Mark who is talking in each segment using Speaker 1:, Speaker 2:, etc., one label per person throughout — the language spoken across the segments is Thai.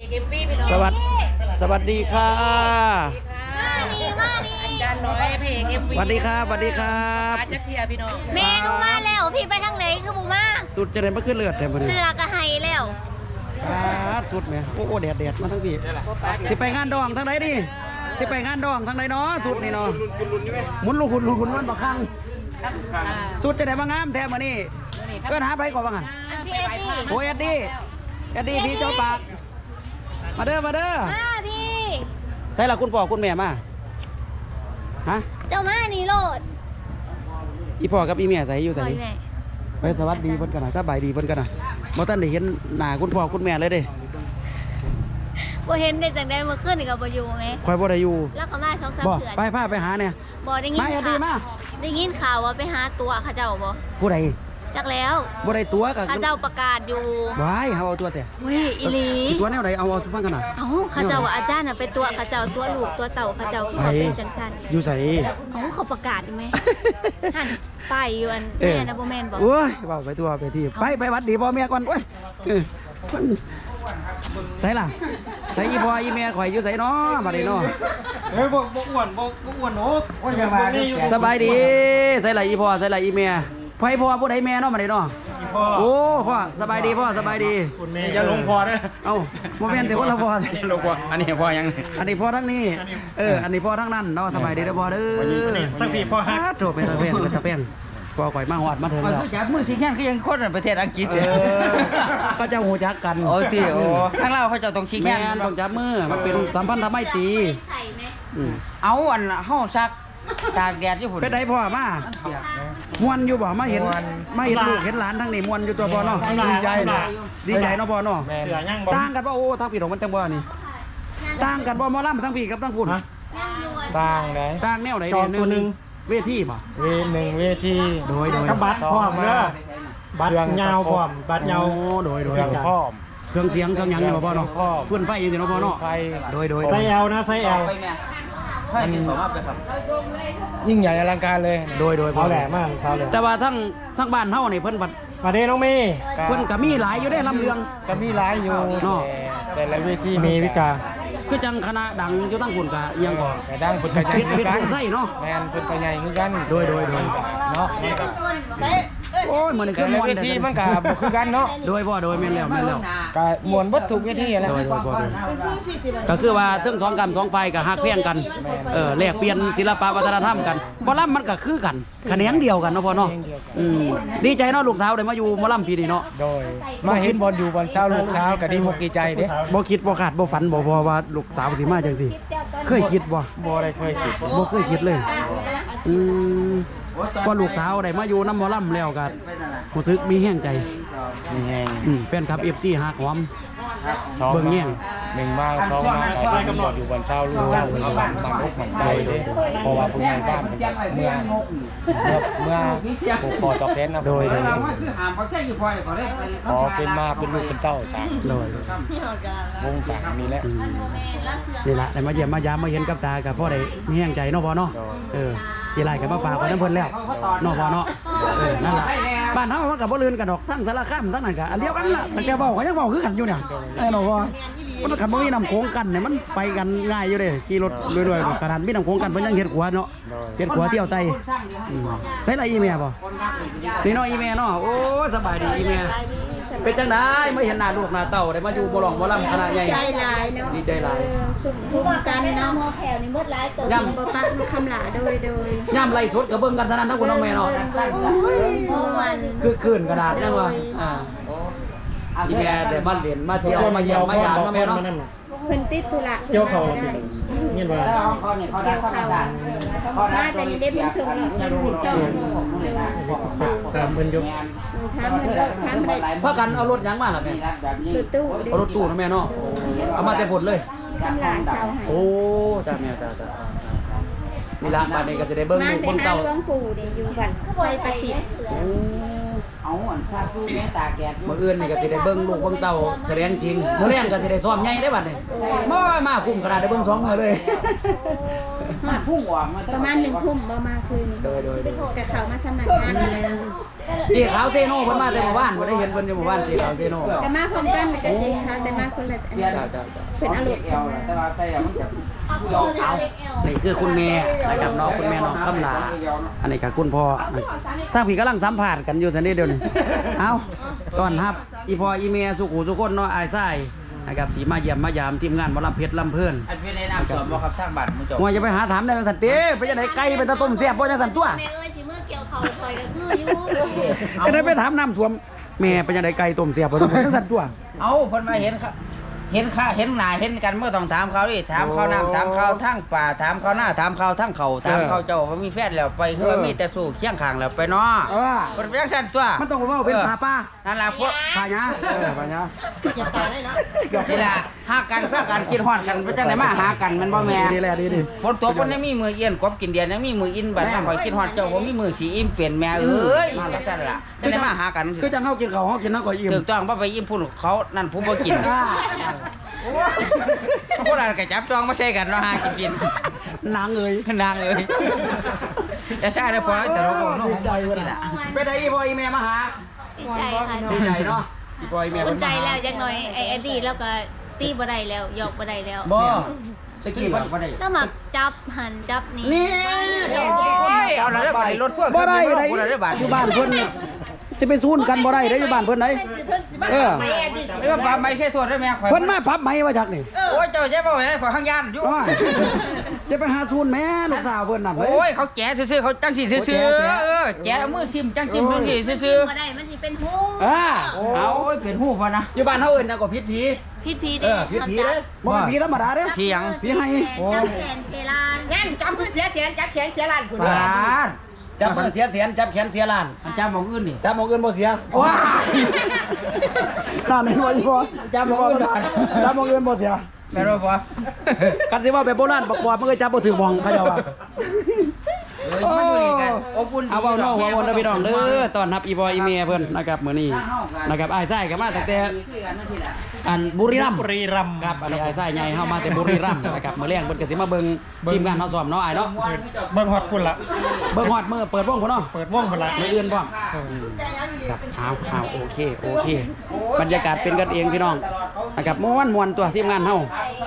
Speaker 1: สวัสดีค่ะ
Speaker 2: มานี่
Speaker 3: อาจารย์น้อยเพลงเอ็มวี
Speaker 1: สวัสดีครับสวัสดีครับ
Speaker 3: มาจักเทียพี่น้อง
Speaker 2: เมนูมาแล้วพี่ไปทางไหนคือบูมา
Speaker 1: สุดจะได้มาขึ้นเลือดแต่บ่ได้
Speaker 2: เสือกระไฮแล้ว
Speaker 1: สุดแหมโอ้แดดมาทั้งพี่สิไปงานดองทางไหนดิสิไปงานดองทางไหนเนาะสุดนี่เนาะหมุนลูกหุ่นมันบักคังสุดจะได้มางามแท้มื้อนี้เอิ้นหาไปก่อนว่างั้น
Speaker 2: อันพี่เอ็ดดี้
Speaker 1: โอ้เอ็ดดี้พี่เจ้าปากมาเด้อ
Speaker 2: มาพี่
Speaker 1: ใส่ละคุณพ่อคุณแม่มาฮะ
Speaker 2: เจ้ามานี่โลด
Speaker 1: อีพ่อกับอีแม่ใส่อยู่ใส่
Speaker 2: ปล่อยแม่
Speaker 1: ไปสวัสดีเพิ่นกันน่ะสบายดีเพิ่นกันน่ะบ่ทันได้เห็นหน้าคุณพ่อคุณแม่เลยเด้
Speaker 2: บ่เห็นได้จังได้เมื่อคืนนี่ก็บ่อยู่ไหม
Speaker 1: ข่อยบ่ได้อยู่
Speaker 2: แล้วก็มา2-3
Speaker 1: บ่
Speaker 2: เดือน
Speaker 1: ไปพาไปหาเนี่ย
Speaker 2: บ่ได้ยิน
Speaker 1: มาอย่าดีมา
Speaker 2: ได้ยินข่าวว่าไปหาตัวเขาเจ้าบ่
Speaker 1: ผู้ใด
Speaker 2: จักแล้ว
Speaker 1: บ่ได้ตัวก็
Speaker 2: เขาเจ้าประกาศอยู่
Speaker 1: ว้ายเฮาเอาตัวแต่
Speaker 2: เว้ยอีหลี
Speaker 1: สิตัวแนวใดเอาทุกฟังกันน่ะ
Speaker 2: เอ้าเขาเจ้าว่าอาจารย์น่ะไปตัวเขาเจ้าตัวลูกตัวเต่าเขาเจ้าคือเขาเป็นจังซั่น
Speaker 1: อยู่ไส
Speaker 2: เอ้าเขาประกาศอยู่ไหมหันไปอยู่อัน
Speaker 1: เออ
Speaker 2: แม่นะบ่แม่นบ่
Speaker 1: โอ้ยเว้าไปตัวไปที่ไปหวัดดีพ่อแม่ก่อนโอ้ยเออใส่ล่ะใส่อีพ่ออีแม่ข่อยอยู่ไสเนาะบัดนี้เนาะ
Speaker 4: บ่อ้วนโอ้ยอย่ามาเนี่ย
Speaker 1: สบายดีใส่ล่ะอีพ่อใส่ล่ะอีแม่ไผพ่อผู้ใดแม่เนาะบัดนี้เนาะ
Speaker 4: พ่อ
Speaker 1: โอ้พ่อสบายดีพ่อสบายดี
Speaker 4: คุณแม่
Speaker 5: อย่าลงพอเด้อ
Speaker 1: เอ้าโมเมนต์แต่คนละพ่อ
Speaker 5: อย่าลงพออันนี้พอยัง
Speaker 1: อันนี้พ่อทั้งนี้อันนี้พ่อทั้งนั้นเนาะสบายดีเด้อพ่อเด้อ
Speaker 4: ตั้งพี่พ่อฮัก
Speaker 1: โจเป็นตะเพียนพ่อข่อยมาฮอดมาถึง
Speaker 6: มัน
Speaker 1: แล้ว
Speaker 6: คือจับมือสิแค่คือยังคนในประเทศอังกฤษ
Speaker 1: ก็จะหูจักกัน
Speaker 6: โอ้ตีโอ้ทางเราเขาจะต้องชี้
Speaker 1: แม่
Speaker 6: แค่
Speaker 1: นต้องจับมือมันเป็นสัมพันธไมตรี
Speaker 2: ใส่ไหม
Speaker 6: เอาอันเฮาซักตากแดดอยู่พุ่น
Speaker 1: เป็นไดพ่อมามวนอยู่บ่มาเห็นลูกเห็นหลานทั้งนี้มวนอยู่ตัวพ่อเนาะดีใจเนาะดีใจเนาะพ่อเนาะ
Speaker 4: เสือยังบ่
Speaker 1: ต่างกันบ่โอ้ทางพี่ของมันจังบ่นี่ต่างกันบ่หมอลำทั้งพี่กับทั้งพุ่น
Speaker 2: ยังอยู่อัน
Speaker 4: ต่างไหน
Speaker 1: ต่างแนวไหน
Speaker 4: จอตัวหนึ่ง
Speaker 1: เวทีบ่
Speaker 4: เวที
Speaker 1: โดย
Speaker 4: กับบัตรพร้อมเด้อบัตรยาวพร้อมบัตรยาว
Speaker 1: โดย
Speaker 4: เครื่องพร้อม
Speaker 1: เครื่องเสียงเครื่องหยังเนี่ยพ่อเนาะ
Speaker 4: พร้อม
Speaker 1: ฟื้นไฟอยู่สิเนาะพ่อเนาะ
Speaker 4: ไฟ
Speaker 1: โดย
Speaker 4: ไซแอลนะไซแอล
Speaker 6: ไปแม่ให้กินผมว่าไปครับ
Speaker 4: ยิ่งใหญ่อลังการเลย
Speaker 1: โดย
Speaker 4: เขาแหลมมากเขาแหลม
Speaker 1: แต่ว่าทั้งบ้านเฮานี่เพิ่นบัด
Speaker 4: มาเด้น้องเมย์
Speaker 1: เพิ่นก็มีหลายอยู่ได้ลำเรือง
Speaker 4: ก็มีหลายอยู่
Speaker 1: เนาะ
Speaker 4: แต่ละเวทีมีวิกา
Speaker 1: คือจังคณะดังอยู่ทั้งพุ่นก็เอียงก็
Speaker 4: แต่ดังเพิ่นก็ใหญ่
Speaker 1: เพชรไส้เนาะ
Speaker 4: แม่นเพิ่นก็ใหญ่คือกัน
Speaker 1: โดย
Speaker 4: เนาะ
Speaker 1: โอ้ยมื้อนี้
Speaker 4: แต่
Speaker 1: คือ
Speaker 4: ละ
Speaker 1: ม่วน
Speaker 4: เวทีมันก็บ่คือกันเนาะ
Speaker 1: โดยพ่อโดยแม่นแล้ว
Speaker 4: ก็มวนบัดทุกเวทีแหละ
Speaker 1: โดยก็คือว่าทั้งสองกรรมสองฝ่ายก็ฮักเพียงกันแลกเปลี่ยนศิลปะวัฒนธรรมกันหมอลำมันก็คือกันแขนงเดียวกันเนาะพ่อเนาะดีใจเนาะลูกสาวได้มาอยู่หมอลำปีนี้เนาะ
Speaker 4: โดยมาเห็นบอลอยู่บอลเช้าลูกเช้าก็ดีมกดีใจเด้
Speaker 1: บ่คิดบ่คาดบ่ฝันบ่พอว่าลูกสาวสิมาจังซี่เคยคิดบ่
Speaker 4: บ่ได้เคยคิด
Speaker 1: บ่เคยคิดเลยพอลูกสาวได้มาอยู่น้ำหมอลำแล้วก็รู้สึกมีแห้งใจ
Speaker 4: มีแหง
Speaker 1: แฟนคลับ FC ฮักหอม
Speaker 4: สอง
Speaker 1: เบิ่งแย่ง
Speaker 4: หนึ่งมาสองมาก็ดีบอลอยู่บอลเช้าลูกเช้ามันอกมันใจเด้เพราะว่าผู้ใหญ่บ้านเมื่อผูกคอตอกแขนนะ
Speaker 1: โดย
Speaker 6: คือหามเขาใช้อยู่พอเลยเขาได้ไป
Speaker 4: ขอเป็นมาเป็นลูกเป็นเต้าสาม
Speaker 1: โดยว
Speaker 4: งสามมีแล้ว
Speaker 1: นี่ล่ะได้มาเยี่ยมมายามมาเห็นกับตากับพ่อได้มีแห้งใจเนาะพ่อเนาะทีไรก็มาฝากไว้น้ำเพิ่นแล้วเนาะพ่อเนาะนั่นล่ะบ้านเฮามันก็บ่ลืนกันดอกทั้งสารคามทั้งนั้นก็อันเดียวกันล่ะตั้งแต่เว้าก็ยังเว้าคือกันอยู่เนี่ยเนาะพ่อมันคันบ่มีน้ำโขงกันเนี่ยมันไปกันง่ายอยู่เด้ขี่รถรวยๆขนาดมีน้ำโขงกันเพิ่นยังเฮ็ดขัวเนาะเฮ็ดขัวเที่ยวไตใส่ละอีแม่บ่นี่เนาะอีแม่เนาะโอ้สบายดีอีแม่เป็นจังได๋มาเห็นหน้าลูกหน้าเต้าได้มาอยู่บ่ร้องบ่รำคณะใหญ่
Speaker 7: ใจหลายเนาะ
Speaker 1: ดีใจหลาย
Speaker 7: ทุกกันเนาะหมอแถวนี่หมดหลายตัวบ่ปักคำหลาโดย
Speaker 1: ย่ำไล่สดกับเบิ่งกันสนั่นทั้งคุณน้องแม่เนาะ
Speaker 7: วัน
Speaker 1: คือคืนกระดาษยังว่าอีแม่ได้มาเรียนมาเที่ยวมาเยี่ยมมายามเนาะแม่เนาะ
Speaker 7: เพิ่นติดธุระ
Speaker 4: เกี่ยวเขาเราเป็นเงี้ยว่า
Speaker 6: แล้วเขาเนี่ยเขาได้ข้อมาสั่ง
Speaker 7: มาแต่นี่ได้เพิ่นส่งแล้วยังถูกต้อง
Speaker 4: ตามเพิ่นยก
Speaker 7: ถามเลิกถามได้
Speaker 1: พากันเอารถหยังมาล่ะแม่
Speaker 6: แบบนี้
Speaker 7: รถตู้
Speaker 1: เอารถตู้นะแม่เนาะเอามาแต่ผลเลย
Speaker 7: คำหลาชาวให้
Speaker 1: โอ้จ้าแม่จ้านี่ละบัดนี้ก็จะได้เบิ่ง
Speaker 7: มา
Speaker 1: ลูก
Speaker 7: แต่
Speaker 1: คน
Speaker 7: หา
Speaker 1: เก่า
Speaker 7: หลวงปู่นี่อยู่บัดไฟประสิทธิ์
Speaker 1: โอ้
Speaker 6: เอาอันซาตู้แม่ตากแดดอยู่
Speaker 1: มื้ออื่นนี่ก็สิได้เบิ่งลูกเบิ่งเต้าแสดงจริงมื้อแรงก็สิได้ซ้อมใหญ่ได้บัดนี้มาคุ้มขนาดได้เบิ่ง2มื้อเลย
Speaker 6: มันพุ่งออกมา
Speaker 7: ประมาณ1 ทุ่มบ่มาคืน
Speaker 1: โดย
Speaker 7: กับเขามาสมัครงานแล้ว
Speaker 1: เจ๊ขาวเซโน่เพิ่นมาแต่หมู่บ้านบ่ได้เห็นเพิ่นอยู่หมู่บ้านเจ๊ขาวเซโน่
Speaker 7: ก็มาพร้อมกันแล้วก็จริงค่ะแต่มาคนละอัน
Speaker 1: จ้า
Speaker 7: เป็นอารมณ์
Speaker 6: เอวแต่ว่าใส่แล้วมันจะ
Speaker 1: เอานี่คือคุณแม่นะครับน้องคุณแม่น้องคำลาอันนี้ก็คุณพ่อถ้าพี่กำลังสัมภาษณ์กันอยู่ซั่นเด้เดี๋ยวนี้เอาต้อนรับอีพ่ออีแม่สุขุสุคนเนาะอ้ายชายนะครับที่มาเยี่ยมมายามทีมงานหมอลำเพชรลำเพิ่น
Speaker 6: อันเป็นในน้ำสวนบ่ครับทางบ้านมื้อจบ
Speaker 1: ว่าจะไปหาถามได้ว่าสันติไปจังได๋ไก่ไปตะต้มแซ่บบ่จังสันตัว
Speaker 2: แม่เอ้ยสิเมื่อเกี่ยวเขาคอยก็คืออยู่
Speaker 1: จะได้ไปถามน้ำท่วมแม่ไปจังได๋ไก่ต้มแซ่บบ่จังสันตัว
Speaker 6: เอาเพิ่นมาเห็นครับเห็นข้าเห็นหน้าเห็นกันเมื่อต้องถามเขาดิถามเขาน้ำถามเขาทั้งป่าถามเขาหน้าถามเขาทั้งเขาถามเขาเจ้าว่ามีแฟนแล้วไปคือว่ามีแต่สู้เคียงข้างแล้วไปเนาะ
Speaker 1: เออ
Speaker 6: เพิ่นเป็นจังซั่นตัว
Speaker 1: มันต้องว่าเป็นผาป้า
Speaker 6: นั่นล่ะพวก
Speaker 1: ผาหยาผาหยา
Speaker 6: นี่ล่ะหากันเพื่อกันคิดฮอดกันไปจังได๋มาหากันมันบ่แม่
Speaker 1: ดีแหละดี
Speaker 6: ฝนตกมันยังมีมือเอียนกบกินเดียนยังมีมืออินบัดมาข่อยคิดฮอดเจ้าบ่มีมือสีอิ่มเปลี่ยนแม่เอ้ยจังซั่นล่ะจังได้มาหากัน
Speaker 1: คือจังเฮากินข้าวเฮากินน้ำก่อยอิ่ม
Speaker 6: ถูกต้องบ่ไปอิ่มพุ่นเขานั่นผู้บ่กินพวกเราก็จับจองมาใส่กันเนาะหากิน
Speaker 1: นางเอ้ย
Speaker 6: นางเอ้ยจะใช่ได้พอแต่เราก็เนาะ
Speaker 1: ดีใจว่ะ
Speaker 6: นี่ล่ะ
Speaker 1: ไปได้อีพ่ออีแม่มาหา
Speaker 2: ดีใจค่ะ
Speaker 1: ดีใจเนาะอีพ่ออีแม่
Speaker 2: อุ่
Speaker 1: เพิ่
Speaker 2: น
Speaker 1: น
Speaker 2: ใจ
Speaker 1: มา
Speaker 2: แล้วจักหน่อยไอ้อดีตแล้วก็ตีบ่ได้แล้วหยอกบ่ได้แล้ว
Speaker 1: บ่ตะ
Speaker 6: กิ
Speaker 1: กี้
Speaker 6: น
Speaker 1: บ่
Speaker 6: บ่ได้
Speaker 2: ก็มาจับหันจับนี่
Speaker 1: นี่
Speaker 6: โอ้ยเอาละได้รถพ่วง
Speaker 1: บ่ได้
Speaker 6: ได้
Speaker 1: ได้
Speaker 6: บาท
Speaker 1: อยู่บ้านเพิ่นสิไปซูนกันบ่ได้เด้อยู่บ้านเพิ่นไหนเออ
Speaker 6: ไม่ว่าปลาไม่ใช่ตัวได้แม่ข่อย
Speaker 1: เพิ่นมาพับไหมว่าจักนี่
Speaker 6: โอ้ยเจ้าจะบ่ได้ข่อยข้างยานอยู่
Speaker 1: ว่าจะไปหาซูนแม่ลูกสาวเพิ่นนั่นเว้
Speaker 6: โอ้ย
Speaker 1: ย
Speaker 6: เขาแจ๋ซื่อๆเขาจังสิซื่อๆเออแจ๋มือซิมจังซิมจังสิซื่อ
Speaker 2: บ่ได้มันสิเป็นหู
Speaker 6: ๆโอ้ยเป็นหูป่ะนะ
Speaker 1: อยู่บ้านเฮาเอิ้นนะก็พิษผี
Speaker 2: พิษผี
Speaker 1: เอ
Speaker 2: เด้
Speaker 1: อพิษผีเด้บ่เป็นผีธรรมดาเด้
Speaker 6: ผีหยัง
Speaker 1: ผีให้
Speaker 2: จับแขนเชลาน
Speaker 8: งั้นจำพื้นเสียเสียนจับแขนเสียหลานคุณ
Speaker 6: ปาด
Speaker 1: จับเพิ่นเสียแสนจับแขนเสียล้าน
Speaker 6: มันจับของอื่นนี่
Speaker 1: จับหมองอื่นบ่เสีย
Speaker 6: ว้า
Speaker 1: นั่นเห็นบ่อีพ่อ
Speaker 6: จับหม้องอื่นบ่
Speaker 1: จับหมองอื่นบ่เสีย
Speaker 6: แม่นบ่พอ
Speaker 1: กันสิว่าแบบโบราณบอกว่ามันก็จับบ่ถึงหมองเขาเจ้าว่า
Speaker 6: มันอยู่นี่กันอบอุ่นดี
Speaker 1: เอาเว้าน้องเว้าวนเด้อพี่น้องเด้อต้อนรับอีบอยอีเมียเพิ่นนะครับมื้อนี้นะครับอ้ายไส้ก็มาตั้งแต่อันบุรีรัมย์ครับอันนี้อ้ายไส้ใหญ่เฮามาแต่บุรีรัมย์นะครับมื้อแรงเพิ่นก็สิมาเบิ่งทีมงานเฮาซ้อมเนาะอ้ายเนาะ
Speaker 5: เบิ่งฮอดพุ่นละ
Speaker 1: เบิ่งฮอดมื้อเปิดวงพุ่นเนาะ
Speaker 5: เปิดวงพุ่นละ
Speaker 1: มื้ออื่นพร้อมครับเอาโอเคบรรยากาศเป็นกันเองพี่น้องนะครับม่วนตัวทีมงานเฮา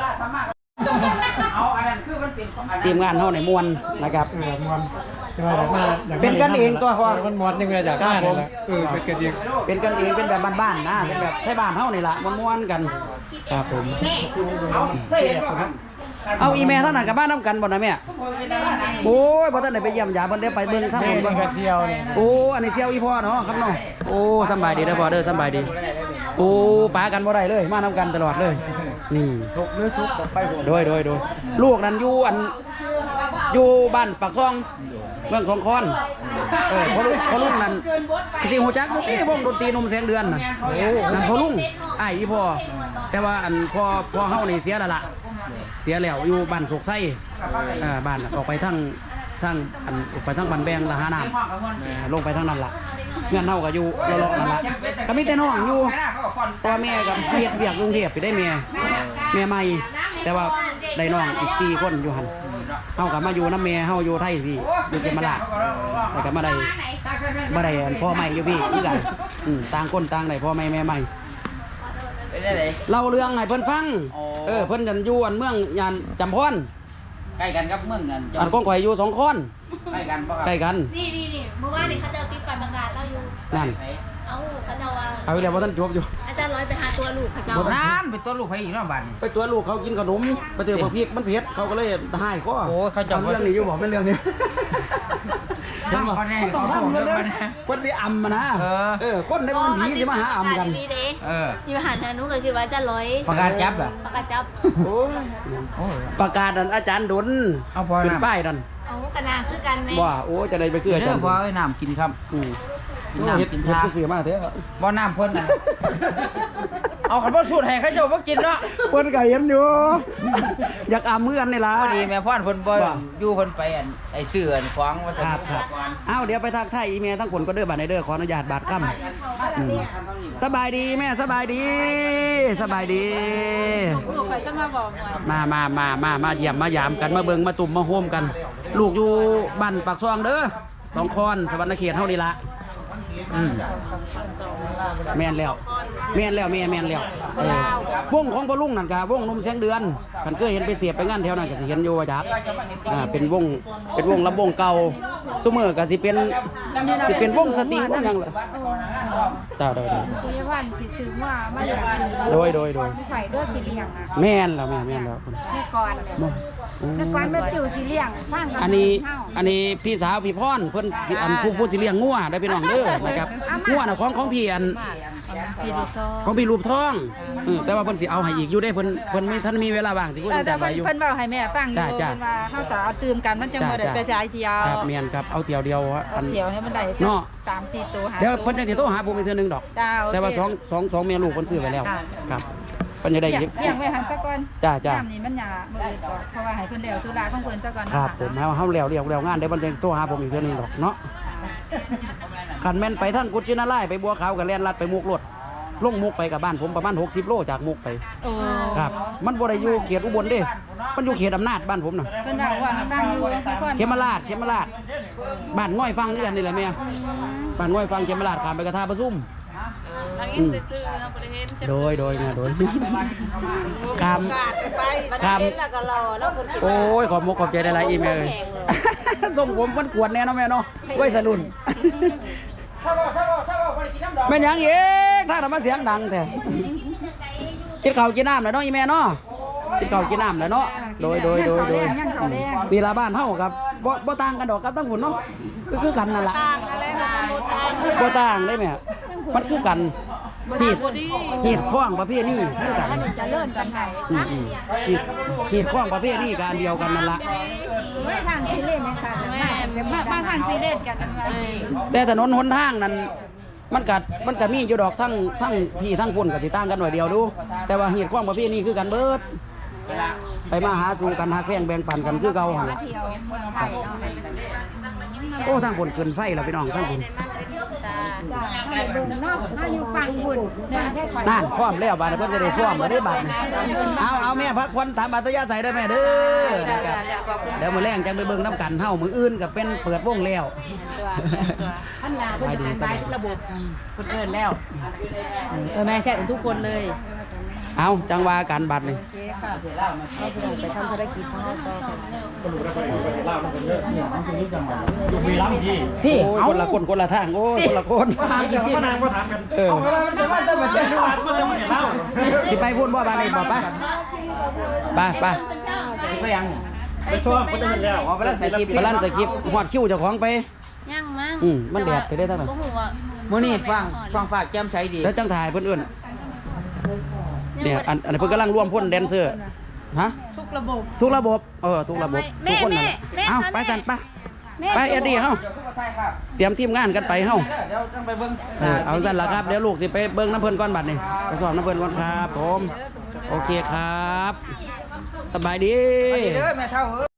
Speaker 6: เอาอันนั้นคือมันเป็นของอัน
Speaker 1: ทีมงานเฮาในม่วนนะครับ
Speaker 5: มวนจะมาอยากมาอยากมา
Speaker 1: เป็นกันเองตัวพอ
Speaker 5: มันมวนยังไงอยากได้นี่แหละเป็นกันเอง
Speaker 1: เป็นกันเองเป็นแบบบ้านๆนะเป็นแบบไทยบ้านเฮานี่ล่ะม่วนๆกันครับผม
Speaker 6: เอาเคยเห็นบ่ครับ
Speaker 1: เอาอีเมลเท่านั้นกับบ้านน้ำกันบ่นะแม่
Speaker 6: เป็นดาราดัง
Speaker 1: โอ้ยบ่ทันได้ไปเยี่ยมยามเพิ่นได้ไปเบิ่งทาง
Speaker 5: แม่
Speaker 1: ผม
Speaker 5: เบิ่
Speaker 1: ก่อง น
Speaker 5: กระเซียวนี่
Speaker 1: โอ้อันนี้เสี่ยวอีพ่อเนาะครับเนาะโอ้สำบายดีเด้อพ่อเด้อสำบายดีโอ้ปากันบ่ได้เลยมานํกันตลอดเลย นี่
Speaker 5: ทุกหรือสุกไปผม
Speaker 1: โดยลูกนั้นอยู่อยู่บ้านปากซองเมืองสองคอนพอลุงนั้นสิฮู้จักบ่ติวงดนตรีนมแสงเดือนน่ะโอ้นั่นพอลุงอ้ายอีพ่อแต่ว่าอันพ่อเฮานี่เสียแล้วล่ะเสียแล้วอยู่บ้านโศกไส้บ้านน่ะออกไปทางอันออกไปทางบ้านแบงละหาน้ำลงไปทางนั้นล่ะเงินเฮาก็อยู่เลาะๆนั่นล่ะก็มีแต่น้องอยู่พ่อแม่ก็เฮ็ดเวียกกรุงเทพไปได้แม่ใหม่แต่ว่าได้น้องอีก4คนอยู่หั่นเฮาก็มาอยู่นำแม่เฮาอยู่ไทยพี่อยู่เขมราชแล้วก็มาได้อันพ่อใหม่อยู่พี่คือกันต่างคนต่างได้พ่อใหม่แม่ใหม่
Speaker 6: เป็นได้ได
Speaker 1: เล่าเรื่องให้เพิ่นฟัง
Speaker 6: อ๋อ
Speaker 1: เพิ่นจันอยู่อันเมืองยานจำพร
Speaker 6: ใกล้กันกับเมืองกัน
Speaker 1: อันก้องข่อยอยู่2คน
Speaker 6: ใกล้กันบ่ครับ
Speaker 1: ใกล้กัน
Speaker 2: นี่เมื่อวานนี่เขาเจ้าติดปันประกาศเราอยู่
Speaker 1: นั่น
Speaker 2: เอ้าเขาเจ้าว่า
Speaker 1: เอาอีกแล้วบ่ทันจบอยู่
Speaker 2: อาจารย์ร้อยไปหาตัวลูกเขาเจ้า
Speaker 6: นั่นเป็นตัวลูกไผอีกเนาะบ้านนี้
Speaker 1: ไปตัวลูกเขากินขนมไปเจอพวกพริกมันเผ็ดเขาก็เลยให้ข้อ
Speaker 6: โอ้ยเขาจะ
Speaker 1: เรื่องนี้อยู่บอกเป็นเรื่องนี้
Speaker 6: ต้องเขาแน่
Speaker 1: ต้อง
Speaker 6: เขา
Speaker 1: ทำ
Speaker 6: เรื่
Speaker 1: เรื่
Speaker 6: อ
Speaker 1: อง ง
Speaker 6: มัน
Speaker 1: นี้คนสิอำมานะ คนได้มันผีสิมาหาอำกัน
Speaker 2: นี่เด้
Speaker 6: เออ
Speaker 2: อยู่หันนะนุก็คือว่าอาจารย์ร้อย
Speaker 6: ประกาศจับอ่ะ
Speaker 2: ประกาศจับ
Speaker 1: โอ้ยประกาศนั่นอาจารย์ดล
Speaker 6: เอาพอ
Speaker 1: เป็น
Speaker 6: น้ำ
Speaker 1: ป้ายนั่น
Speaker 2: เอากระนาคือกันไหม
Speaker 1: ว่าโอ้จะได้ไปคืออา
Speaker 6: เด้
Speaker 1: จา
Speaker 6: อ
Speaker 1: รย์
Speaker 6: พอไอ้น้ำกินครับ
Speaker 1: อืม
Speaker 6: กิน
Speaker 1: เฮ็ด
Speaker 6: น้ำกิน
Speaker 1: เฮ็ด
Speaker 6: ทา
Speaker 1: คือเสือมาเถอะ
Speaker 6: บ่น้ำเพิ่นน่ะเอาขันบ่สูตรให้เขาเจ้าบ่กินเนาะ
Speaker 1: เพิ่นก็เห็นอยู่ อยากอามือกันนี่ล่ะ
Speaker 6: พอดีแม่พ่อนเพิ่นบ่อยู่เพิ่นไปอันไอ้เสื้ออันของว่าซั่น
Speaker 1: ครับเอ้าเดี๋ยวไปทักทายอีเมลทั้งคนก็เด้อบัดในเด้อขออนุญาตบาดค่ำสบายดีแม่สบายดีสบายดี
Speaker 2: ลูกไปจะมาบอกหน่อย
Speaker 1: มาเยี่ยมมายามกันมาเบิ่งมาตุ่มมาโฮมกัน ลูกอยู่บ้านปากซองเด้อสองคอนสวรรณเขตเฮานี่ละแม่นแล้วแม่แล้ววงของพ่อลุงนั่นกะวงนมเสียงเดือนคันเคยเห็นไปเสียบไปงานแถวนั้นก็สิเห็นอยู่ว่าจักเป็นวงลำวงเก่าซุมื้อก็สิเป็นวงสตริงวงหยังล่ะจ้าโดย
Speaker 7: คุยวันสิซื้อว่ามาอยาก
Speaker 1: โดย
Speaker 7: ไข่ด้วยสีเหลี่ยงอ่ะ
Speaker 1: แม่นแล้วคุณ
Speaker 7: แม่ก่อนแม่ก่อนแม่ติ๋วสีเหลี่ยงทาง
Speaker 1: อันนี้พี่สาวพี่พรเพิ่นสิอันผู้สิเลี้ยงงัวได้พี่น้องเด้อนะครับงัวน่ะของพี่อัน
Speaker 2: พี่ดูซอ
Speaker 1: ของพี่รูปทองแต่ว่าเพิ่นสิเอาให้อีกอยู่ได้เพิ่นไม่ทันมีเวลาว่างสิคุย
Speaker 9: แต่
Speaker 1: แต่ไปอยู่
Speaker 9: เพิ่นบอกให้แม่ฟังอยู่
Speaker 1: จ้า
Speaker 9: เพิ่นว่าเฮาจะเอาตื่มกันมันจังบ่ได้ไปจ่ายเที่ยว
Speaker 1: ครับเมียนครับเอาเที่ยวเดียวอัน
Speaker 9: เที่ยวให้มันได้
Speaker 1: เนาะ
Speaker 9: 3-4ตัวหา
Speaker 1: เดี๋ยวเพิ่นจังสิโทรหาผมอีกเทื่อนึงดอก
Speaker 9: จ้าโอเค
Speaker 1: แต่ว่า2เมียลูกเพิ่นซื้อไว้แล้ว
Speaker 9: ค่ะ
Speaker 1: ครับเพิ่นจะได้
Speaker 9: เลี้
Speaker 1: ยิบ
Speaker 9: ยงไว้หันซะก่อน
Speaker 1: จ้า
Speaker 9: น้ำนี่มันหยามื้ออื่นก่อนเพราะว่าให้เพิ่นแล้วธุระของเพิ่นซะก่อน
Speaker 1: ครับผมเฮาแล้วงานเดี๋ยวเพิ่นจะโทรหาผมอีกเทื่อนึงดอกเนาะคันแม่นไปทางกุชินาลายไปบัวขาวก็แล่นลัดไปมุกรถลงมุกไปกับบ้านผมประมาณ60โลจากมุกไป
Speaker 9: โอ้
Speaker 1: ครับมันบ่ได้อยู่เขตอุบลเด้มันอยู่เขตอำนาจบ้านผมน่ะ
Speaker 9: เพิ่นว่าให้ฟังอยู่ทุกคน
Speaker 1: เขมราชบ้านง่อยฟังนี่กันนี่แหละแม่บ้านง่อยฟังเขมราชข้ามไปกระทาประซุ่ม
Speaker 3: ทางอินแต่ชื่อนะบ่ได้เห็นจะ
Speaker 1: โดยข้าม
Speaker 3: ไป
Speaker 1: ข้าม
Speaker 2: แล้วก็รอแล้วคน
Speaker 1: โอ้ยขอบมกขอบใจได้หลายอีเมลเลยส่งผมมันกวนแน่เนาะแม่เนาะไว้สรุ่น
Speaker 6: เช้าบ่ได้กินน้ำดอก
Speaker 1: แม่นหยังอีกถ้าทำมาเสียงดังแท้กินข้าวกินน้ำแล้วเนาะอีแม่เนาะกินข้าวกินน้ำแล้วเนาะโดย
Speaker 9: ยังเขาแรง
Speaker 1: นี่ละบ้านเฮาครับบ่ต่างกันดอกกับตั้งหุ่นเนาะคือกันนั่นล่ะบ่ต่างได้แม่มันคือกันหีดข้องประเภทนี้คือกัน
Speaker 7: จะเลื่อนกันไห้
Speaker 1: หีดข้องประเภทนี้กันเดียวกันนั่นล่ะ
Speaker 7: ไม่ทางที่เล่นนะคะ
Speaker 9: มาทางซีเรียสกัน
Speaker 1: แต่ถนนหนทางนั้นมันก็มีอยู่ดอกทั้งพี่ทั้งพุ่นก็สิต่างกันหน่อยเดียวดู แต่ว่าหีดข้องประเภทนี้คือกันเบิดไปมาหาสู่กันฮักแพงแบ่งปันกันคือเก่าหั่นล่ะโอ้ทั้งพุ่นขึ้นไฟแล้วพี่น้องทั้งพุ่น
Speaker 7: ให้เบิ่งเนาะมาอยู่ฟังบุญเนี่ยแค่ก่อน
Speaker 1: นั่นพร้อมแล้วบาดนี้เพิ่นจะได้ซ่อมบ่ได้บาดนี้เอาแม่พักผ่อนตามอัธยาศัยได้แม่เด้อนะครับเดี๋ยวมื้อแรงจังไปเบิ่งน้ำกันเฮามื้ออื่นก็เป็นเปิดวงแล้ว
Speaker 2: ท่านยาเพิ่นจะเป็นสายระบบคนเอิ้นแล้วแม่แชททุกคนเลย
Speaker 1: เอาจังว่ากันบัดนี่
Speaker 2: ไปทำธุรกิจของเราต่อ
Speaker 5: อยู่มีล้ำพี่
Speaker 1: พี่คนละคนคนละทางโอ้ยคนละคน
Speaker 5: เดี๋ยวก็นางมาถามกัน
Speaker 1: เออ
Speaker 5: มันจะมาเล่า
Speaker 1: สิไปพูดบ่บาดนี้บ่ไป
Speaker 6: ไปยัง
Speaker 5: ไปชอบก็จะเห็นแล้ว
Speaker 1: ไปลั่นสคริปต์ฮอดคิวเจ้าของไป
Speaker 2: ยังมั้ง
Speaker 1: มันแดดไปได้ทั้งนั้น
Speaker 2: บ่ฮู้ว่า
Speaker 6: มื้อนี้ฟังฝากแจ่มใสดี
Speaker 1: แล้วจังถ่ายเพิ่นเอิ้นเนี่ยอันนี้เพิ่นกำลังร่วมพ่นแดนเซอร์ฮะทุกระบบทุกระบบสู้คนนั่นแหละเอ้าไปสั่นไปเอ็ดดี้เฮาเตรียมทีมงานกันไปเฮา
Speaker 6: เดี๋ยวต้องไปเบิ่ง
Speaker 1: เอาสั่นล่ะครับเดี๋ยวลูกสิไปเบิ่งน้ำเพิ่นก่อนบัดนี้ไปสอบน้ำเพิ่นก่อนครับผมโอเคครับสบายดี
Speaker 6: ไปเด้อแม่เฒ่า